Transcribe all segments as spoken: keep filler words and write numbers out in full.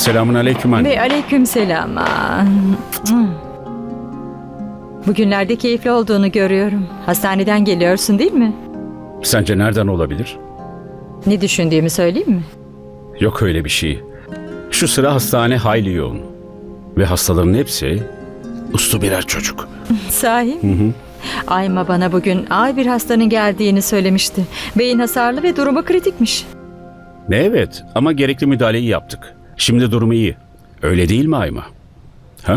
Selamun aleyküm anne. Ve aleykümselam. Aa, Bugünlerde keyifli olduğunu görüyorum. Hastaneden geliyorsun değil mi? Sence nereden olabilir? Ne düşündüğümü söyleyeyim mi? Yok öyle bir şey. Şu sıra hastane hayli yoğun. Ve hastaların hepsi uslu birer çocuk. Sahi mi? Ayma bana bugün ağır bir hastanın geldiğini söylemişti. Beyin hasarlı ve durumu kritikmiş. Ne evet ama gerekli müdahaleyi yaptık. Şimdi durumu iyi. Öyle değil mi Ayma? Ha?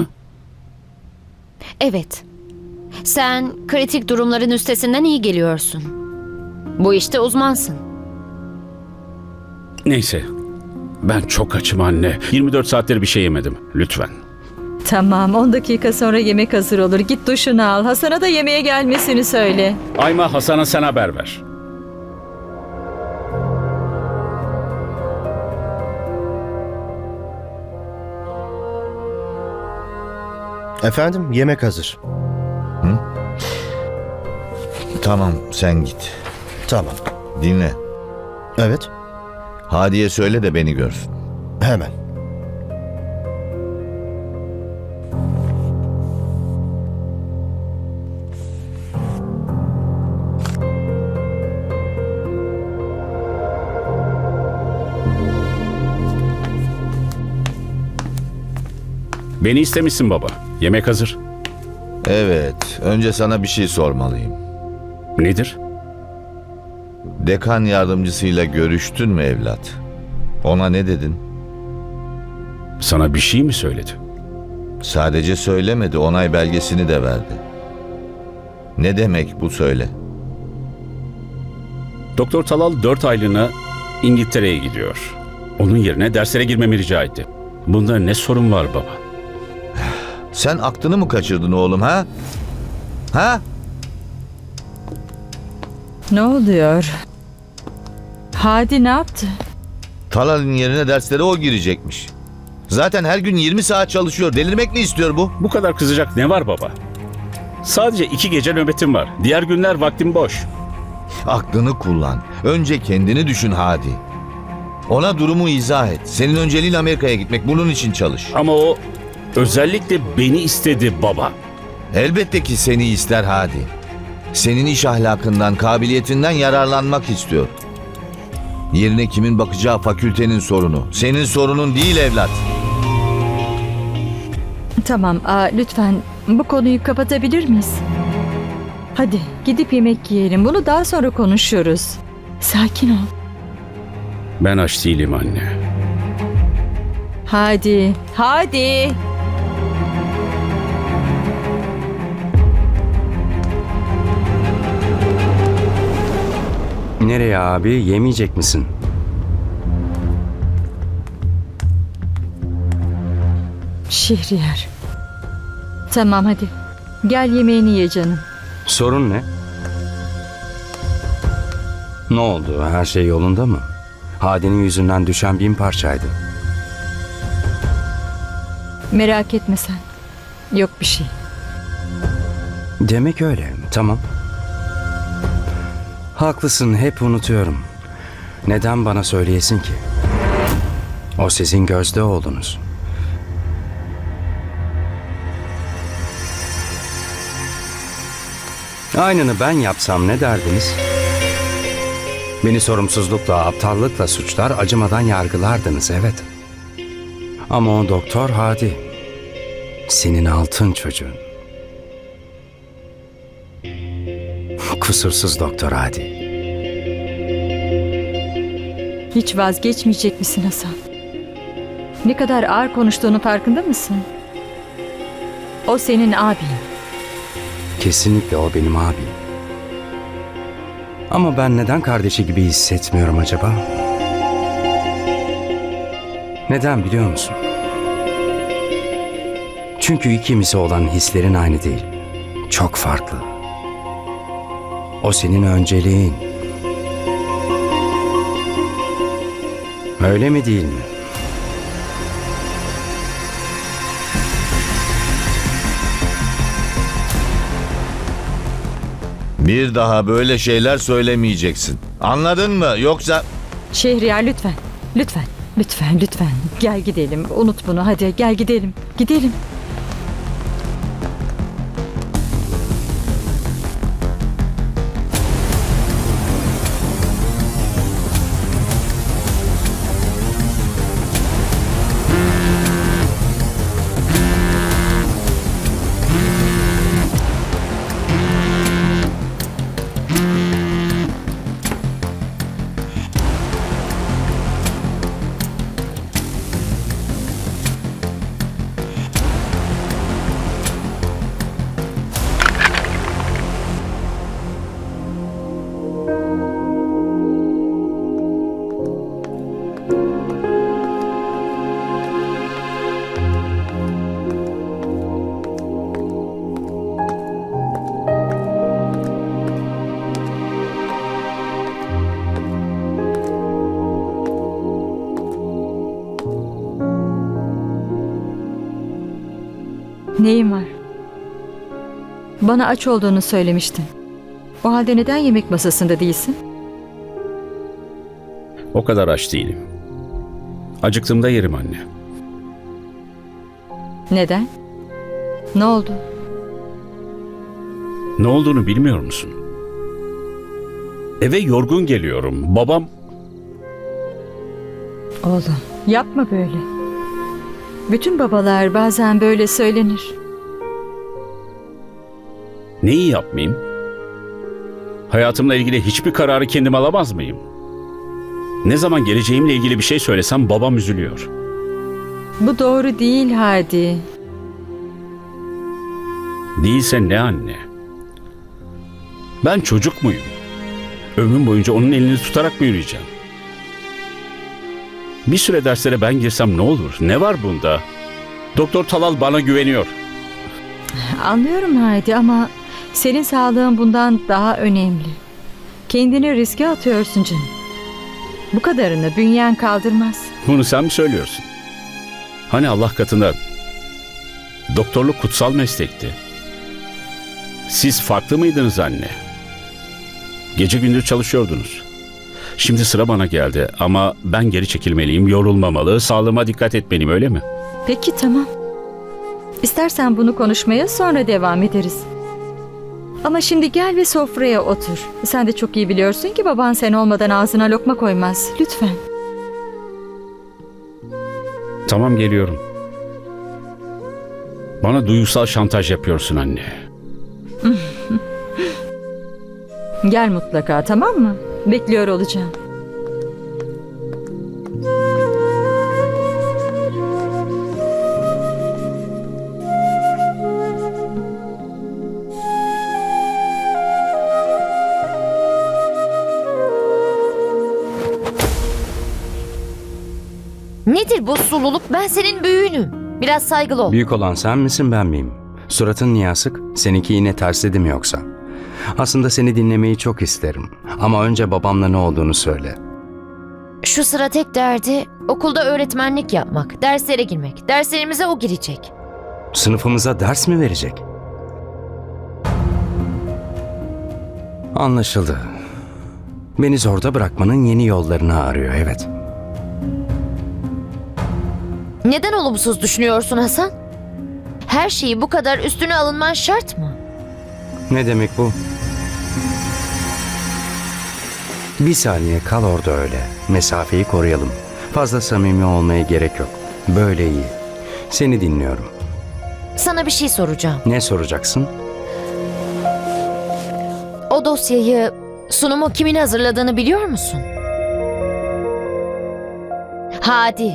Evet. Sen kritik durumların üstesinden iyi geliyorsun. Bu işte uzmansın. Neyse. Ben çok açım anne. yirmi dört saattir bir şey yemedim. Lütfen. Tamam, on dakika sonra yemek hazır olur. Git duşunu al. Hasan'a da yemeğe gelmesini söyle. Ayma, Hasan'a sen haber ver. Efendim, yemek hazır. Tamam, sen git. Tamam. Dinle. Evet, Hadiye söyle de beni görsün. hemen. Beni istemişsin baba. Yemek hazır. Evet, önce sana bir şey sormalıyım. Nedir? Dekan yardımcısıyla görüştün mü evlat? Ona ne dedin? Sana bir şey mi söyledi? Sadece söylemedi, onay belgesini de verdi. Ne demek bu söyle? Doktor Talal dört aylığına İngiltere'ye gidiyor. Onun yerine derslere girmemi rica etti. Bunda ne sorun var baba? Sen aklını mı kaçırdın oğlum ha? Ha? Ne oluyor? Hadi ne yaptı? Talal'in yerine derslere o girecekmiş. Zaten her gün yirmi saat çalışıyor. Delirmek mi istiyor bu? Bu kadar kızacak ne var baba? Sadece iki gece nöbetim var. Diğer günler vaktim boş. Aklını kullan. Önce kendini düşün Hadi. Ona durumu izah et. Senin önceliğin Amerika'ya gitmek. Bunun için çalış. Ama o özellikle beni istedi baba. Elbette ki seni ister Hadi. Senin iş ahlakından, kabiliyetinden yararlanmak istiyor. Yerine kimin bakacağı fakültenin sorunu. Senin sorunun değil evlat. Tamam, aa, lütfen bu konuyu kapatabilir miyiz? Hadi gidip yemek yiyelim. Bunu daha sonra konuşuruz. Sakin ol. Ben aç değilim anne. Hadi, hadi. Nereye abi? Yemeyecek misin? Şehriyar. Tamam hadi. Gel yemeğini ye canım. Sorun ne? Ne oldu? Her şey yolunda mı? Hadi'nin yüzünden düşen bin parçaydı. Merak etme sen. Yok bir şey. Demek öyle. Tamam. Haklısın. Hep unutuyorum. Neden bana söyleyesin ki? O sizin gözde oğlunuz. Aynını ben yapsam ne derdiniz? Beni sorumsuzlukla, aptallıkla suçlar, acımadan yargılardınız, evet. Ama o doktor Hadi. Senin altın çocuğun. Kusursuz doktor Hadi. Hiç vazgeçmeyecek misin Hasan? Ne kadar ağır konuştuğunu farkında mısın? O senin abin. Kesinlikle o benim abim. Ama ben neden kardeşi gibi hissetmiyorum acaba? Neden biliyor musun? Çünkü ikimize olan hislerin aynı değil. Çok farklı. O senin önceliğin. Öyle mi değil mi? Bir daha böyle şeyler söylemeyeceksin. Anladın mı? Yoksa... Şehriyar lütfen. Lütfen. Lütfen, lütfen. Gel gidelim. Unut bunu. Hadi gel gidelim. Gidelim. Neyin var? Bana aç olduğunu söylemiştin. O halde neden yemek masasında değilsin? O kadar aç değilim. Acıktığımda yerim anne. Neden? Ne oldu? Ne olduğunu bilmiyor musun? Eve yorgun geliyorum. Babam... Oğlum, yapma böyle. Bütün babalar bazen böyle söylenir. Neyi yapmayayım? Hayatımla ilgili hiçbir kararı kendim alamaz mıyım? Ne zaman geleceğimle ilgili bir şey söylesem babam üzülüyor. Bu doğru değil Hadi. Değilse ne anne? Ben çocuk muyum? Ömrüm boyunca onun elini tutarak mı yürüyeceğim? Bir süre derslere ben girsem ne olur? Ne var bunda? Doktor Talal bana güveniyor. Anlıyorum Hadi ama senin sağlığın bundan daha önemli. Kendini riske atıyorsun canım. Bu kadarını bünyen kaldırmaz. Bunu sen mi söylüyorsun? Hani Allah katında doktorluk kutsal meslekti. Siz farklı mıydınız anne? Gece gündüz çalışıyordunuz. Şimdi sıra bana geldi ama ben geri çekilmeliyim, yorulmamalı, sağlığıma dikkat etmeliyim, öyle mi? Peki tamam. İstersen bunu konuşmaya sonra devam ederiz. Ama şimdi gel ve sofraya otur. Sen de çok iyi biliyorsun ki baban sen olmadan ağzına lokma koymaz. Lütfen. Tamam, geliyorum. Bana duygusal şantaj yapıyorsun anne. Gel mutlaka, tamam mı? Bekliyor olacağım. Nedir bu sululuk? Ben senin büyüğünüm. Biraz saygılı ol. Büyük olan sen misin ben miyim? Suratın niye asık? Seninki yine tersledi mi yoksa? Aslında seni dinlemeyi çok isterim. Ama önce babamla ne olduğunu söyle. Şu sıra tek derdi okulda öğretmenlik yapmak, derslere girmek. Derslerimize o girecek. Sınıfımıza ders mi verecek? Anlaşıldı. Beni zorda bırakmanın yeni yollarını arıyor, evet. Neden olumsuz düşünüyorsun Hasan? Her şeyi bu kadar üstüne alınman şart mı? Ne demek bu? Bir saniye kal orada öyle. Mesafeyi koruyalım. Fazla samimi olmaya gerek yok. Böyle iyi. Seni dinliyorum. Sana bir şey soracağım. Ne soracaksın? O dosyayı, sunumu kimin hazırladığını biliyor musun? Hadi.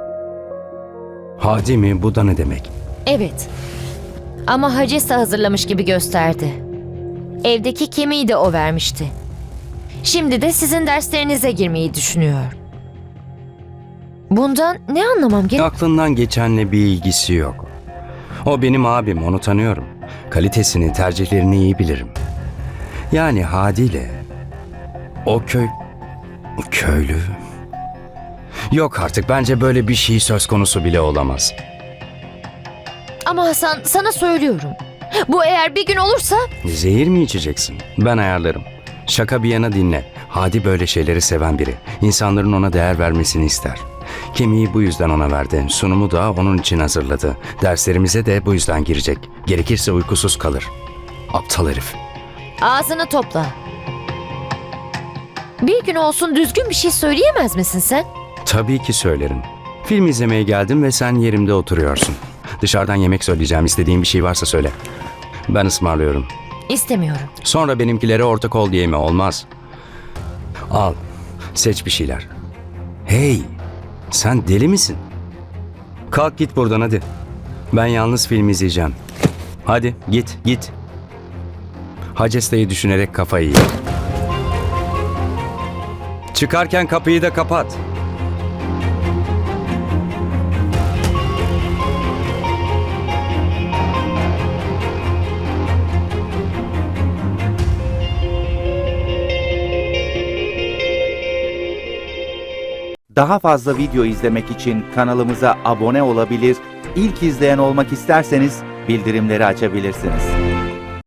Hadi mi? Bu da ne demek? Evet. Ama Hacesta hazırlamış gibi gösterdi. Evdeki kemiği de o vermişti. Şimdi de sizin derslerinize girmeyi düşünüyor. Bundan ne anlamam gerek? Aklından geçenle bir ilgisi yok. O benim abim, onu tanıyorum. Kalitesini, tercihlerini iyi bilirim. Yani Hadi ile o köy... Köylü... Yok artık, bence böyle bir şey söz konusu bile olamaz. Ama Hasan, sana söylüyorum. Bu eğer bir gün olursa... Zehir mi içeceksin? Ben ayarlarım. Şaka bir yana dinle. Hadi böyle şeyleri seven biri. İnsanların ona değer vermesini ister. Kemiği bu yüzden ona verdi. Sunumu da onun için hazırladı. Derslerimize de bu yüzden girecek. Gerekirse uykusuz kalır. Aptal herif. Ağzını topla. Bir gün olsun düzgün bir şey söyleyemez misin sen? Tabii ki söylerim. Film izlemeye geldim ve sen yerimde oturuyorsun. Dışarıdan yemek söyleyeceğim. İstediğin bir şey varsa söyle. Ben ısmarlıyorum. İstemiyorum. Sonra benimkilere ortak ol diye mi? Olmaz. Al. Seç bir şeyler. Hey! Sen deli misin? Kalk git buradan hadi. Ben yalnız film izleyeceğim. Hadi git git. Hacesta'yı düşünerek kafayı ye. Çıkarken kapıyı da kapat. Daha fazla video izlemek için kanalımıza abone olabilir, ilk izleyen olmak isterseniz bildirimleri açabilirsiniz.